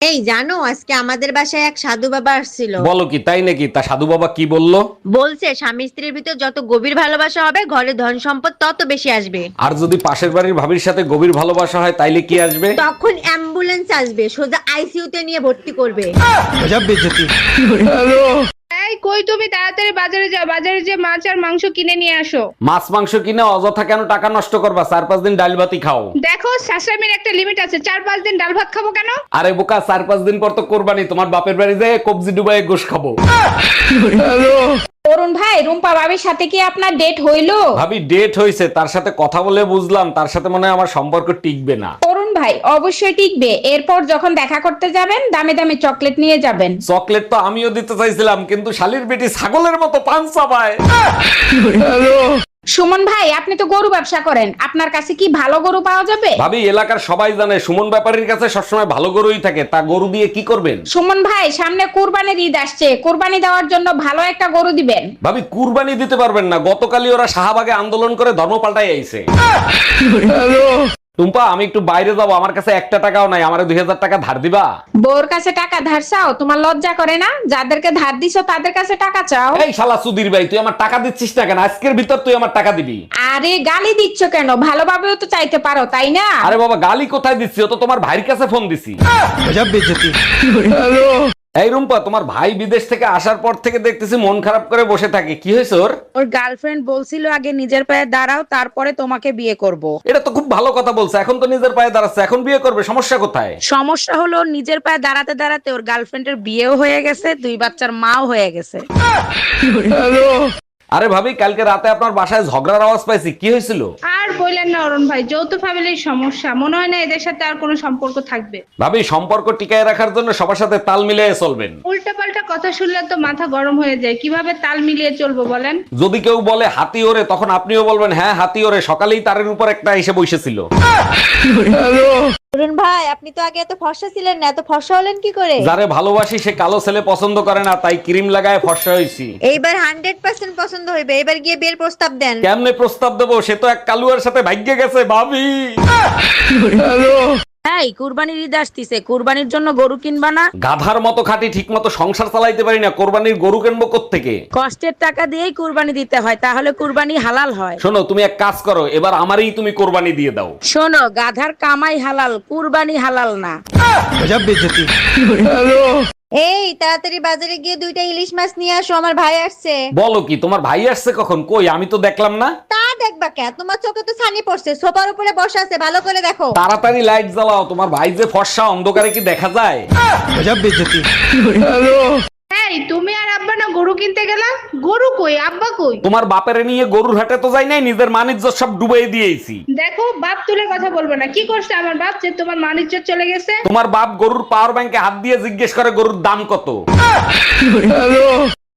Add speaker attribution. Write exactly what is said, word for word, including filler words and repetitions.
Speaker 1: এই জানো আজকে আমাদের বাসায় এক সাধু বাবা আসছিল।
Speaker 2: বলো কি, তাই নাকি? তা সাধু বাবা কি বললো?
Speaker 1: বলছে স্বামী স্ত্রীর ভিতর যত গভীর ভালোবাসা হবে ঘরে ধন সম্পদ তত বেশি আসবে।
Speaker 2: আর যদি পাশের বাড়ির ভাবির সাথে গভীর ভালোবাসা হয় তাইলে কি আসবে?
Speaker 1: তখন অ্যাম্বুলেন্স আসবে, সোজা আইসিইউ তে নিয়ে ভর্তি করবে।
Speaker 3: এই কই তুমি তাড়াতাড়ি বাজারে যাও, বাজারে যে মাছ আর মাংস কিনে নিয়ে আসো।
Speaker 2: মাছ মাংস কিনে অযথা কেন টাকা নষ্ট করবা? চার পাঁচ দিন ডাল ভাতই খাও।
Speaker 3: দেখো শাশুড়ির একটা লিমিট আছে, চার পাঁচ দিন ডাল ভাত খাবো কেন?
Speaker 2: আরে বোকা, চার পাঁচ দিন পর তো কোরবানি, তোমার বাপের বাড়ি যায় কবজি ডুবাই গোশ খাবো।
Speaker 3: অরুণ ভাই, রুম্পা ভাবির সাথে কি আপনার ডেট হইলো?
Speaker 2: ভাবি ডেট হইছে, তার সাথে কথা বলে বুঝলাম তার সাথে মনে হয় আমার সম্পর্ক টিকবে না।
Speaker 3: অরুণ ভাই অবশ্যই টিকবে। এরপর যখন দেখা করতে যাবেন দামে দামে চকলেট নিয়ে যাবেন।
Speaker 2: চকলেট তো আমিও দিতে চাইছিলাম, কিন্তু শালির বেটি ছাগলের মতো পান চাবায়।
Speaker 3: সুমন ভাই, আপনি তো গরু ব্যবসা করেন, আপনার কাছে কি ভালো গরু পাওয়া যাবে?
Speaker 2: ভাবি এলাকার সবাই জানে সুমন ব্যাপারীর কাছে সবসময় ভালো গরুই থাকে, তা গরু দিয়ে কি করবেন?
Speaker 3: সুমন ভাই, সামনে কুরবানির ঈদ আসছে, কুরবানি দেওয়ার জন্য ভালো একটা গরু দিবেন।
Speaker 2: ভাবি কুরবানি দিতে পারবেন না, গতকালই ওরা শাহবাগে আন্দোলন করে ধর্ম পাল্টাই আইছে। টুম্পা, আমি একটু বাইরে যাবো, আমার কাছে একটা টাকাও নাই, আমার দুই হাজার টাকা ধার দিবা?
Speaker 3: বউর কাছে টাকা ধার চাও? তোমার লজ্জা করে না? যাদেরকে ধার দিছো তাদের কাছে টাকা চাও।
Speaker 2: এই শালা সুধীর ভাই, তুই আমার টাকা দিচ্ছিস না কেন? আজকের ভিতর তুই আমার টাকা দিবি।
Speaker 3: আরে গালি দিচ্ছ কেন? ভালোভাবেও তো চাইতে পারো, তাই না?
Speaker 2: আরে বাবা, গালি কোথায় দিচ্ছি? ও তো তোমার ভাইয়ের কাছে ফোন দিছি। এই রুম্পা, তোমার ভাই বিদেশ থেকে আসার পর থেকে দেখতেছি মন খারাপ করে বসে থাকে, কি হয়েছে ওর?
Speaker 4: ওর গার্লফ্রেন্ড বলছিল আগে নিজের পায়ে দাঁড়াও তারপরে তোমাকে বিয়ে করব।
Speaker 2: এটা তো খুব ভালো কথা বলছে, এখন তো নিজের পায়ে দাঁড়াচ্ছে, এখন বিয়ে করবে, সমস্যা কোথায়?
Speaker 4: সমস্যা হলো ওর নিজের পায়ে দাঁড়াতে দাঁড়াতে ওর গার্লফ্রেন্ডের বিয়েও হয়ে গেছে, দুই বাচ্চার মাও হয়ে গেছে।
Speaker 2: আরে ভাবি, কালকে রাতে আপনার বাসায় ঝগড়ার আওয়াজ পাইছি, কি হয়েছিল?
Speaker 3: আর বললেন না অরুণ ভাই, যৌথ ফ্যামিলির সমস্যা, মনে হয় না এদের সাথে আর কোনো সম্পর্ক থাকবে।
Speaker 2: ভাবি সম্পর্ক টিকায় রাখার জন্য সবার সাথে তাল মিলিয়ে চলবেন।
Speaker 3: উল্টা পাল্টা কথা শুনলে তো মাথা গরম হয়ে যায়, কিভাবে তাল মিলিয়ে চলবো বলেন?
Speaker 2: যদি কেউ বলে হাতি ওরে, তখন আপনিও বলবেন হ্যাঁ হাতি ওরে, সকালেই তারের উপর একটা এসে বসেছিল।
Speaker 1: অরুণ ভাই, আপনি তো আগে এত ফর্সা ছিলেন না, এত ফর্সা হলেন কি করে?
Speaker 2: যারে ভালোবাসি সে কালো ছেলে পছন্দ করে না, তাই ক্রিম লাগায় ফর্সা হয়েছি।
Speaker 1: এইবার হান্ড্রেড পার্সেন্ট পছন্দ হইবে, এবার গিয়ে বিয়ের প্রস্তাব দেন।
Speaker 2: কেমনে প্রস্তাব দেবো? সে তো এক কালুয়ার সাথে ভাগ্যে গেছে ভাবি।
Speaker 4: এই কুরবানির ঈদ আসতিছে, কুরবানির জন্য গরু কিনবা না?
Speaker 2: গাধার মতো খাটি, ঠিক মতো সংসার চালাইতে পারি না, কোরবানির গরু কিনবো কোত্থেকে?
Speaker 4: কষ্টের টাকা দিয়েই কুরবানি দিতে হয়, তাহলে কুরবানি হালাল হয়।
Speaker 2: শোনো, তুমি এক কাজ করো, এবার আমারই তুমি কোরবানি দিয়ে দাও।
Speaker 4: শোনো, গাধার কামাই হালাল, কুরবানি হালাল না।
Speaker 1: এই তাড়াতাড়ি বাজারে গিয়ে দুইটা ইলিশ মাছ নিয়ে আসো, আমার ভাই আসছে।
Speaker 2: বলো কি, তোমার ভাই আসছে কখন? কই, আমি তো দেখলাম না।
Speaker 1: তা দেখবা কে? তোমার চোখে তো ছানি পড়ছে, সোফার উপরে বসে আছে, ভালো করে দেখো।
Speaker 2: তাড়াতাড়ি লাইট জ্বালাও, তোমার ভাই যে ফর্সা, অন্ধকারে কি দেখা যায়?
Speaker 3: এই তুমি আর আব্বা না গরু কিনতে গেলাম, গরু কই, আব্বা কই?
Speaker 2: তোমার বাপেরে নিয়ে গরুর হাটে তো যাই নাই, নিজের মানিজ্য সব ডুবাই দিয়েছি।
Speaker 3: দেখো, বাপ তুলে কথা বলবো না। কি করছে আমার বাপ যে তোমার মানিজ্য চলে গেছে?
Speaker 2: তোমার বাপ গরুর পাওয়ার ব্যাংকে হাত দিয়ে জিজ্ঞেস করে গরুর দাম কত।